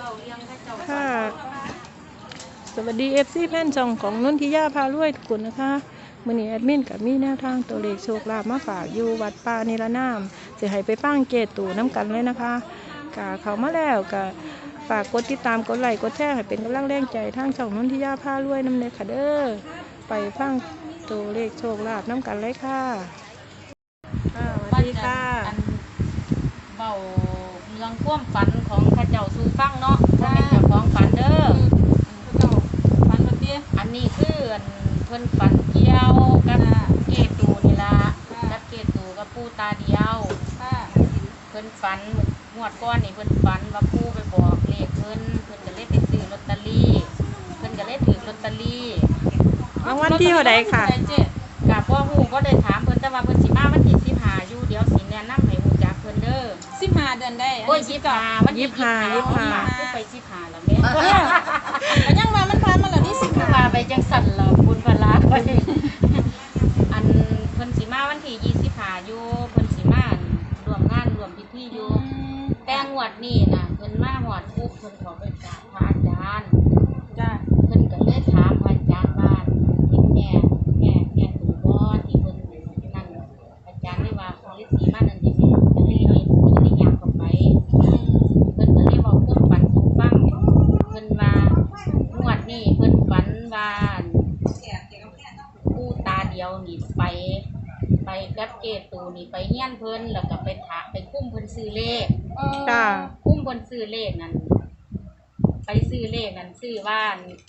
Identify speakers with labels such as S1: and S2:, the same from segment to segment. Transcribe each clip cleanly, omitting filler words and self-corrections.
S1: ค่ะสวัสดีFCแฟนช่องของนนทิยาพารวยทุกคนนะคะมื้อนี้แอดมินกับมีแนวทางตัวเลขโชคลาภมาฝากอยู่วัดป่านิรนามจะให้ไปฟังเกตูน้ำกันเลยนะคะกะเข้ามาแล้วกะฝากกดติดตามกดไลค์กดแชร์ให้เป็นกำลังแรงใจทางช่องนนทิยาพารวยนำเนยค่ะเด้อไปฟังตัวเลขโชคลาภน้ำกันเลยค่ะสวัสดีค่ะ
S2: เบาเรื่องความฝันของข้าเจ้าสู่ฟังเนาะว่าเป็นเจ้าของฝันเด้อข้าเจ้าฝันแบบนี้อันนี้คือเพิ่นฝันเกี่ยวกับเกตูนี่ล่ะกับเกตูกับปู่ตาเดียวเพิ่นฝันงวดก้อนนี่เพิ่นฝันว่าปู่ไปบอกเลขเพิ่นก็เลยไปซื้อลอตเตอรี่เพิ่นก็เลยถือลอตเตอรี่
S1: รางวัลที่เท่าใดค่ะ
S2: กับพ่อฮู้บ่ได้ถามเพิ่นแต่ว่าเพิ่นสิมาวันที่15อยู่เดี๋ยวสิแนะนำให้ฮู้จักเพิ่นเด้อ
S3: 15เดือนได้
S2: โอ้ย25วันที่25คือไป15แล้วแม่
S3: ก็ยังมามันผ่านมาแล้วนี่
S2: 15มาไปจังสั่นแล้วบุญพลาไปอันเพิ่นสิมาวันที่25อยู่เพิ่นสิมาร่วมงานร่วมพิธีอยู่แต่งวดนี้น่ะเพิ่นมาฮอดปุ๊บเพิ่นขอไปกราบพระอาจารย์
S3: จ้า
S2: เพิ่นก็เลยถามพระอาจารย์ว่าที่แม่ถูกบ่ที่เพิ่นนั่นอาจารย์เลยว่าของฤาษีมานั่นที่แม่ก็เลยเห็นได้ยามเข้าไปเพิ่นก็เลยเว้าความฝันสู่ฟังเพิ่นว่างวดนี้เพิ่นฝันว่าปู่ตาเดียวนี่ไปกับเกตูนี่ไปเฮียนเพิ่นแล้วก็ไปถามไปคุ้มเพิ่นซื้อเลข
S1: จ้า
S2: คุ้มเพิ่นซื้อเลขนั่นไปซื้อเลขนั่นซื้อว่า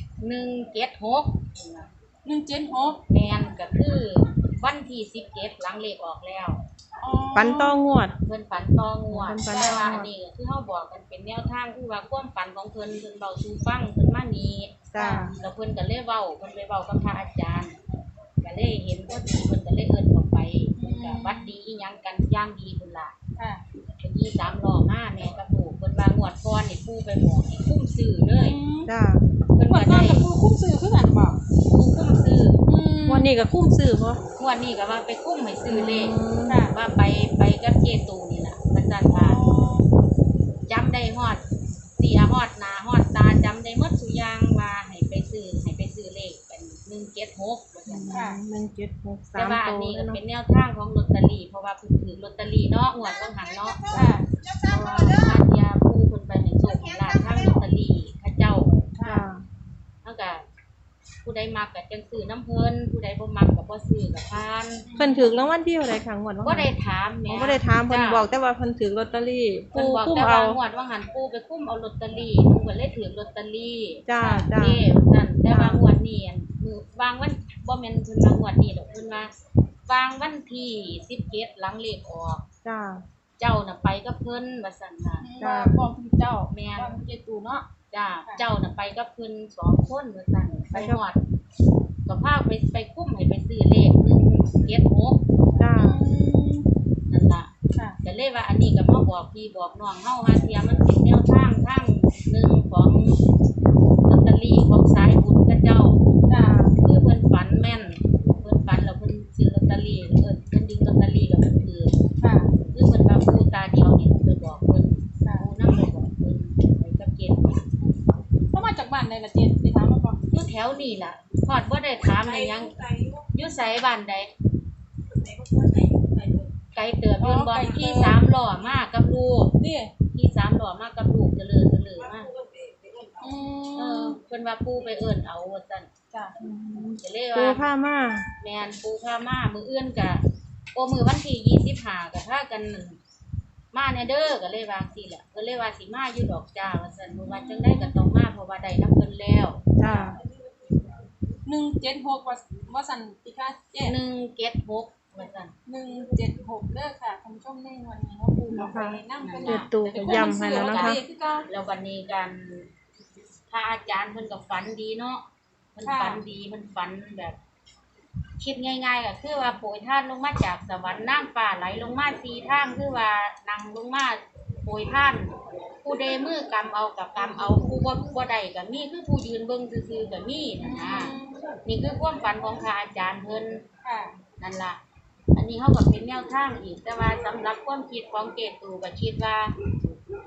S2: 176แม่นก็คือวันที่17หลังเลขออกแล้ว
S1: ฝันต่องวด
S2: เพิ่นฝันต่องวดแต่ว่าอันนี้คือเฮาบอกกันเป็นแนวทางคือว่าความฝันของเพิ่นเว้าสู่ฟังเพิ่นมานี่
S1: จ้า
S2: แล้วเพิ่นก็เลยเว้าเพิ่นไปเว้ากับพระอาจารย์ก็เลยเห็นพอดีเพิ่นก็เลยเอิ้นเข้าไปก็วัดดีอีหยังกันอย่างดีพุ่นล่ะค่ะเมื่อกี้3ล้อมาแม่กับปู่เพิ่นว่างวดก่อนนี่ปู่ไปบอกให้คุ้มซื้อเลย
S1: จ้า
S3: เพิ่นว่าได้ปู่คุ้มซื้อคือกันบ่
S2: ปู่คุ้มซื้อ
S1: วันนี้ก็คุ้มซื้อบ่
S2: วันนี้ก็ว่าไปคุ้มให้ซื้อเลขค่ะว่าไปกับเจตูนี่ล่ะมันจัดว่าจำได้ฮอดเสียฮอดหน้าฮอดตาจำได้หมดทุกอย่างว่าให้ไปซื้อเลขเป็น176ว่าซั่นค่ะ
S1: 176
S2: แต่ว่าอันนี้ก็เป็นแนวทางของลอตเตอรี่เพราะว่าเพิ่นถือลอตเตอรี่เนาะงวดเบิ่งหันเนาะค่ะเพราะว่าอาจยาผู้เพิ่นไปให้โชคให้ลาภทางลอตเตอรี่เขาเจ้าค่ะเฮาก็ผู้ใดมักก็จังซื้อน้ำเพิ่นผู้ใดบ่มักก็บ่ซื้อก็ผ่าน
S1: เพิ่นถูกรางวัลที่เท่าใดครั้งงวด
S2: บ่ได้ถามแม่
S1: บ่ได้ถามเพิ่นบอกแต่ว่าเพิ่นถูกลอตเตอรี่
S2: ปู่คุ้มเอางวดว่าหันปู่ไปคุ้มเอาลอตเตอรี่เพิ่นก็เลยถือลอตเตอรี่
S1: จ้า
S2: นั่นแต่ว่างวดนี้มื้อวางวันบ่แม่นเพิ่นว่างวดนี้ดอกเพิ่นว่าวางวันที่17หลังเลขออก
S1: จ้า
S2: เจ้าน่ะไปกับเพิ่นว่าซั่นน่ะ
S3: ว่าพ่อคุณเจ้า
S2: แม่
S3: นเจตูเนาะ
S2: จ้าเจ้าน่ะไปกับเพิ่น2คนว่าซั่นไปฮอดก็พาไปคุ้มให้ไปซื้อเลข176
S1: จ้า
S2: นั่นล่ะก็เลยว่าอันนี้ก็มาบอกพี่บอกน้องเฮาหาเที่ยมันเป็นแนวทางหนึ่งของลอตเตอรี่ของสายบุญกับเจ้าจ้าคือเพิ่นฝันแม่นเพิ่นฝันแล้วเพิ่นซื้อลอตเตอรี่เพิ่นดึงลอตเตอรี่แล้วเพิ่นถือค่ะคือเพิ่นว่าปู่ตาเดียวนี่ไปบอกเพิ่นปู่นำไปบอกเพิ่นไปกับเกณฑ์
S3: เขามาจากบ้านใดล่ะเจนไปถามมาบ่
S2: อยู่แถวนี้ล่ะฮอดบ่ได้ถามได้หยังอยู่ไสบ้านใดไกลเติบอยู่บ่ที่3ล้อมากับลูก
S3: นี่
S2: ที่3ล้อมากับลูกเจริญมาเพิ่นว่าปู่ไปเอิ้นเอาว่าซั่น
S3: จ้ะ
S2: ก็เลยว่า
S1: ปู่พามา
S2: แม่นปู่พามามื้ออื่นก็มื้อวันที่25ก็พากันมาแน่เด้อก็เลยว่าจังซี่แหละเพิ่นเลยว่าสิมาอยู่ดอกจ้าว่าซั่นบ่ว่าจังได๋ก็ต้องมาเพราะว่าได้นำเพิ่นแล้ว
S1: จ้า
S3: 176ว่าซั่นติค่ะเจ๊
S2: 176ว่าซั่น
S3: 176เด้อค่ะท่านผู้ชมในวันนี้เนาะปู่ก็ไปนำเพิ่น
S1: ตู่ก็ย้ำให้แล้วนะคะ
S2: แล้ววันนี้กันพระอาจารย์เพิ่นก็ฝันดีเนาะเพิ่นฝันดีเพิ่นฝันแบบคิดง่ายๆก็คือว่าโปรยทานลงมาจากสวรรค์นางฟ้าไหลลงมา4ทางคือว่านั่งลงมาโปรยทานผู้ใดมือกำเอากับกำเอาผู้บ่ได้ก็มีคือผู้ยืนเบิ่งซื่อๆก็มีนะนี่คือความฝันของพระอาจารย์เพิ่นนั่นล่ะอันนี้เฮาก็เป็นแนวทางอีกแต่ว่าสำหรับความคิดของเกตูก็คิดว่าเพิ่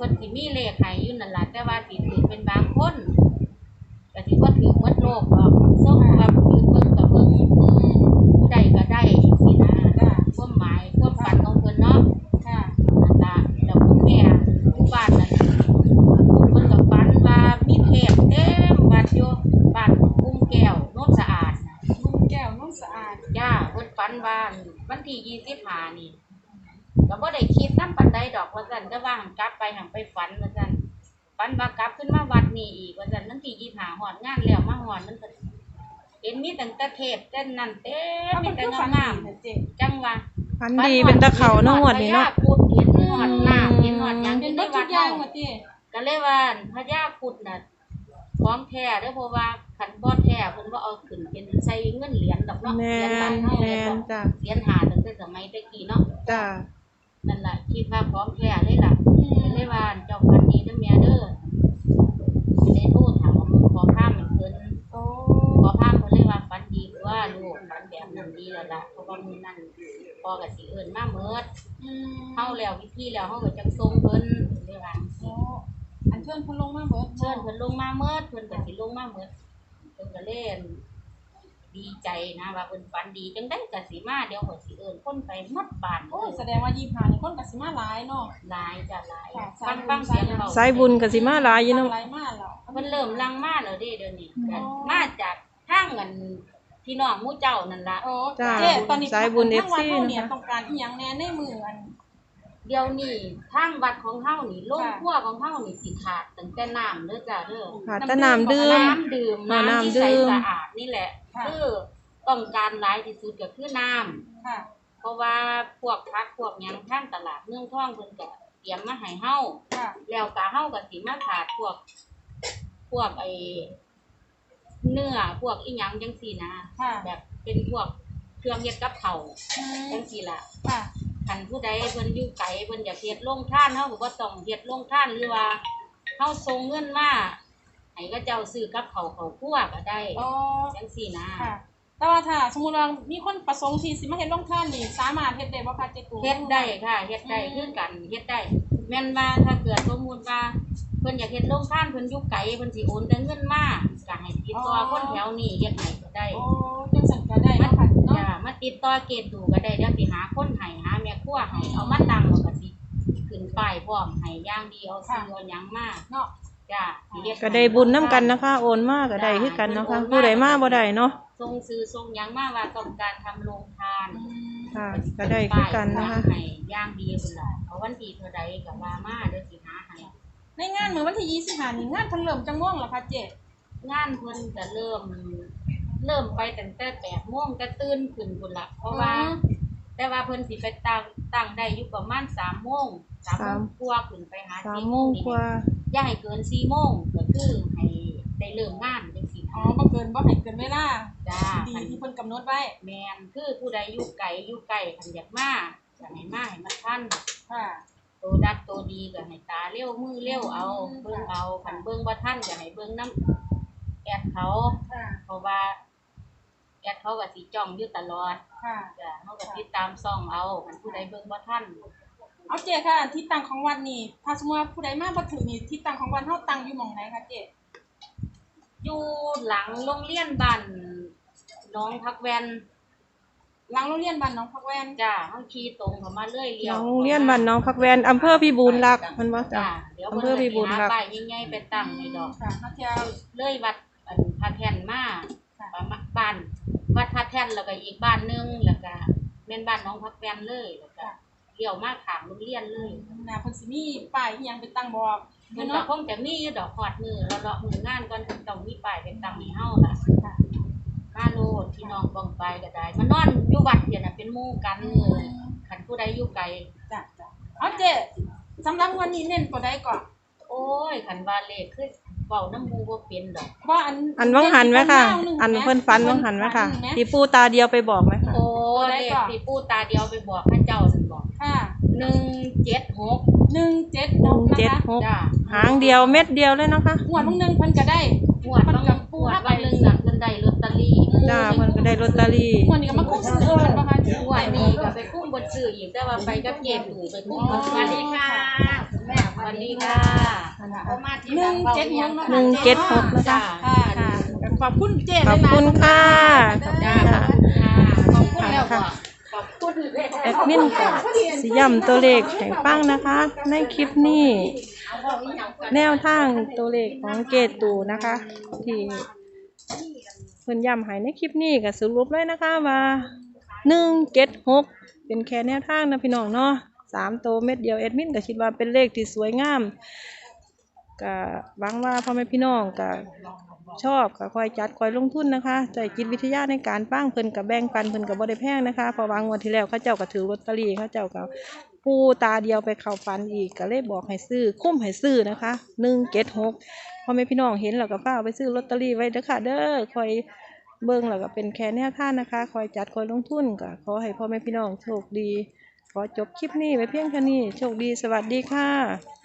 S2: พิ่นสิมีเลขให้อยู่นั่นล่ะแต่ว่าสิถือเป็นบางคนก็สิบ่ถือหมดโลกหรอกส่งว่าผู้ยืนเบิ่งก็เบิ่งผู้ใดก็ได้สินะความหมายความฝันของเพิ่นเนาะ
S3: ค่ะ
S2: นั่นล่ะแล้วคุณแม่อยู่บ้านนั่นเพิ่นก็ฝันว่ามีเทพเต็มวัดอยู่บ้านกุ้งแก้วโนนสะอาดน่ะ
S3: ลุงแก้วน้องสะอาด
S2: จ้าเพิ่นฝันว่าวันที่25นี่ก็บ่ได้คิดนำปานใดดอกว่าซั่นแต่ว่าหั้นกลับไปหั้นไปฝันว่าซั่นฝันว่ากลับขึ้นมาวัดนี้อีกว่าซั่นวันที่25ฮอดงานแล้วมาฮอดมันก็เห็นมีตั้งแต่เทพแต่นั่นเต็มมี
S3: มัน
S2: แต่
S3: คือฝัน
S2: งาม
S3: ดีนะเจ๊
S2: ๆจังว่า
S1: ฝันดีเป็นตะเขาเนาะงวดนี้เนาะ
S2: พญพุทธเห็นฮอดน้ำเห็นฮอดหยังอ
S3: เป็น
S2: ยู่ใน
S3: เบิดทุ
S2: วั
S3: ก
S2: ด
S3: อย่าง
S2: เฮา
S3: ว่าเจ๊
S2: ก็เลยว่าพญาพุทธน่ะของแท้เด้อเพราะว่าคันบ่แท้เพิ่นบ่เอาขึ้นเป็นใส่เงินเหรียญดอกเนาะ
S1: แม
S2: เหรียญบาน ทเฮา
S1: แม
S2: เนี่ย
S1: นจ้ะ
S2: เหรียญหาตั้งแต่สมัยตะกี้เนาะ
S1: จ้ะ
S2: นั่นล่ะคิดว่าของแท้เลยล่ะเลยว่าเจ้าพันนี้เด้อแม่เด้อได้โทรถามขอข้ามมันเพิ่น
S3: โอ้
S2: ขอข้ามเพิ่นเลยว่าฝันดีกว่าลูกฝันแบบนั้นดีแล้วล่ะเพราะว่ามื้อนั้นพ่อก็สิเอิ้นมาเมิดเฮาแล้ววิธีแล้วเฮาก็จังส่งเพิ่นเลยว่า
S3: โอ้อันเชิญเพิ่นลงมาเบิด
S2: เชิญเพิ่นลงมาเมิดเพิ่นก็สิลงมาเมิดเพิ่นก็เล่นดีใจนะว่าเพิ่นฝันดีจังได๋ก็สิมาเดี๋ยวก็สิเอิ้นคนไปหมดบ้าน
S3: โอ้แสดงว่า25นี่คนก็สิมาหลายเนาะ
S2: หลายจ้ะหลาย
S3: ค่ะ
S2: ฟังเสียงเบา
S1: สายบุญก็สิมาหลายอยู่เนาะ
S3: หลายมากแล้ว
S2: เพิ่นเริ่มลังมาแล้วเด้เดี๋ยวนี้
S3: อ๋อ
S2: มาจากทางกันพี่น้องหมู่เจ้านั่นล่ะ
S3: โอ้
S1: จ้า
S3: เจ๊ตอนนี้
S1: สายบุญ
S3: ทางวัด
S1: FC
S3: เฮาเนี่ย
S1: นะคะ
S3: ต้องการอีหยังแน่ในมืออัน
S2: เดี๋ยวนี้ทางวัดของเฮานี่โรง
S3: ค่ะ
S2: ครัวของเฮานี่สิขาดตั้งแต่น้ำเด้อจ้ะเด้อ
S1: ขาดแต่น้ำดื่ม
S2: น้ำดื่ม
S1: น้ำ
S2: น้ำที่
S1: ดื่
S2: ใส
S1: ม
S2: สะอาดนี่แหละ
S3: ค่ะ
S2: คือต้องการหลายที่สุดก็คือน้ำ
S3: ค่ะ
S2: เพราะว่าพวกผักพวกหยังทางตลาดเมืองทองเพิ่นก็เตรียมมาให้เฮา
S3: ค่ะ
S2: แล้วก็เฮาก็สิมาขาดพวกไอ้เนื้อพวกอีหยังจังซี่นะ
S3: ค่ะ
S2: แบบเป็นพวกเครื่องเฮ็ดกับข้าว
S3: อืม
S2: จังซี่ล่ะ
S3: ค่ะ
S2: คันผู้ใดเพิ่นอยู่ไกลเพิ่นอยากเฮ็ดโรงทานเฮาก็บ่ต้องเฮ็ดโรงทานหรือว่าเฮาส่งเงินมาให้เขาเจ้าซื้อกับข้าวเข้าครัวก็ได้
S3: อ๋อ
S2: จังซี่นะ
S3: ค่ะ แต่ว่าถ้าสมมุติว่ามีคนประสงค์ที่สิมาเฮ็ดโรงทานนี่สามารถเฮ็ดได้บ่คะเจ๊ตู่
S2: เฮ็ดได้ค่ะเฮ็ดได้คือกันเฮ็ดได้แม่นว่าถ้าเกิดสมมุติว่าเพิ่นอยากเฮ็ดโรงทานเพิ่นอยู่ไกลเพิ่นสิโอนแต่เงินมาก็ให้ติดต่อคนแถวนี้เฮ็ดให้ก็ได้
S3: โอ้จังซั่นก็ได้
S2: มา
S3: เนาะค่ะเนาะ
S2: จ้ามาติดต่อเกตดูก็ได้เดี๋ยวสิหาคนให้หาแม่ครัวให้เอามาตั้งแล้วก็สิขึ้นป้ายพร้อมให้อย่างดีเอาซื้อเอาหยังมา
S3: เนาะ
S2: จ้าสิเฮ็
S1: ก็ได้บุญน้ำกันนะคะ โอนมาก็ได้คือกันเนาะคะผู้ใดมาบ่ได้เนาะ
S2: ส่งซื้อส่งหยังมาว่าต้องการทำโรงทาน
S3: อืม
S1: ค่ะก็ได้คือกันนะคะ
S2: ให้อย่างดีพุ่นล่ะเอาวันที่เท่าใดก็ว่ามาเดี๋ยวสิหาให้
S3: ในงานมื้อวันที่25นี่งานเพิ่นเริ่มจังม่วงเหรอคะเจ๊
S2: งานเพิ่นก็เริ่มไปตั้งแต่8:00 นก็ตื่นขึ้นพุ่นล่ะเพราะว่า แต่ว่าเพิ่นสิไปตั้งได้อยู่ประมาณ3:00 น3:00 นกว่าขึ้นไปหา
S1: 3
S2: 4:00
S1: โมงกว่า
S2: อย่าให้เกิน4:00 นก็คือให้ได้เริ่มงานจังซี่
S3: อ๋อ
S2: นะ
S3: บ่เกินบ่ให้เกินเวลา
S2: จ้า
S3: ดี
S2: คัน
S3: ที่เพิ่นกำหนดไว้
S2: แม่นคือผู้ใดอยู่ไกลคันอยากมาก็ให้มาให้มันทัน
S3: ค่ะ
S2: โตดักโตดีก็ให้ตาเร็วมือเร็วเอาเบิ่งเอาคันเบิ่งบ่ทันก็ให้เบิ่งนำแอดเขา
S3: ค่ะ
S2: เพราะว่าแอดเขาก็สิจ้องอยู่ตลอด
S3: ค่ะ
S2: จ้ะเฮาก็ติดตามซ่องเอาคันผู้ใดเบิ่งบ่ทัน
S3: เอาเจ๊ค่ะที่ตั้งของวัดนี่ถ้าสมมุติว่าผู้ใดมาบ่ถึงนี่ที่ตั้งของวัดเฮาตั้งอยู่หม่องไหนคะเจ๊
S2: อยู่หลังโรงเรียนบ้านหน้องพักแวน
S3: หลังโรงเรียนบ้านหนองพักแวน
S2: จ้าเฮาขี่ตรงเข้ามาเรื่อยเลี้ยว
S1: โรงเรียนบ้านน้องพักแวนอำเภอพิบูลรักษ์เพิ่นว่าจ้ะ
S2: จ้าเดี๋ยว
S1: อำ
S2: เพิ่
S1: เภอน พิ
S2: ก็
S1: บู
S2: สิ
S1: ล
S2: หา
S1: รักษ์
S2: ป้ายใหญ่ๆไปตั้งให้ดอก
S3: ค่ะมาเที่ยว
S2: เลยวัดพระแท่นมา
S3: ค่ะ
S2: ประมาณบ้านวัดพระแท่นแล้วก็อีกบ้านหนึงแล้วก็แม่นบ้านหน้องพักแวนเลยแล้วก็เลี้ยวมาข้างโรงเรียนเลย
S3: น่าเพิ่นสิมีป้ายอีหยังไปตั้งบอก
S2: มันก็
S3: เนาะ
S2: คงจะมีอยู่ดอกฮอดมือเลาะๆมืองานก่อนเพิ่นต้องมีป้ายไปตั้งให้เฮาล่ะ
S3: ค่ะ
S2: มาโลดพี่น้องบ้องไปก็ได้มานอนอยู่วัดเดี๋ยวน่ะเป็นหมู่กันคันผู้ใดอยู่ไกล
S3: จ้ะจ้ะเอาเจ๊สำหรับวันนี้เน้นตัวใดก่อน
S2: โอ้ยคันว่าเลขคือเว้าน้ำหมู่บ่เป็นดอก
S3: ว่า
S1: อันวังหันไหมค่ะ
S3: หง
S1: อันเพิ่นฝันวังหันไหมค่ะที่ปู่ตาเดียวไปบอกไหมค่ะ
S2: โอ้เลขที่ปู่ตาเดียวไปบอกพระเจ้านั่นบอก
S3: ค่ะ
S2: 176
S3: 176นะคะ
S1: 176
S2: จ้า
S1: หางเดียวเม็ดเดียวเลยเนาะค่ะ
S3: งวดเพิ่งนึงเพิ่นก็ได้
S2: งวดบางงวดบางนึงน่ะเพิ่นได้ลอตเตตอรี่
S1: จ้าเพิ่นก็ได้ลอตเตอรี่
S3: วันนี้ก็มาคุ้มซื้อกันบ่คะ
S2: งวดนี้ก็ไปคุ้มบนซื้ออีกแต่ว่าไปกับเกตู่ไปคุ้มบนสวัสดีค่ะแม่สวัสดีค่ะเขามาที่หลังเบาอีหยัง
S1: 176นะคะ
S3: ค่ะค่ะขอบคุณเจ๊
S1: ขอบคุณค่ะ
S2: จ้าขอบคุณแล้วก็ขอบคุณเลย
S1: แอดมินก็สิย้ำตัวเลขให้ฟังนะคะ ในคลิปนี้แนวทางตัวเลขของเกตูนะคะ ที่เพิ่นย้ำให้ในคลิปนี้ก็สรุปเลยนะคะว่า176เป็นแค่แนวทางนะพี่น้องเนาะ3ตัวเม็ดเดียวแอดมินก็คิดว่าเป็นเลขที่สวยงามก็หวังว่าพ่อแม่พี่น้องก็ชอบก็คอยจัดคอยลงทุนนะคะใจจิตวิทยาในการปั้งเพิ่นกับแบ่งปันเพิ่นกับบ่ได้แพงนะคะเพอวางวันที่แล้วเขาเจ้าก็ถือลอตเตอรี่เขาเจ้าก็ปูตาเดียวไปเข้าฝันอีกก็เลยบอกให้ซื้อคุ้มให้ซื้อนะคะ176พ่อแม่พี่น้องเห็นแล้วก็ฟ้าวไปซื้อลอตเตอรี่ไว้เด้อค่ะเด้อคอยเบิ่งแล้วก็เป็นแค่แนวทางนะคะคอยจัดคอยลงทุนก็ขอให้พ่อแม่พี่น้องโชคดีขอจบคลิปนี้ไว้เพียงแค่นี้โชคดีสวัสดีค่ะ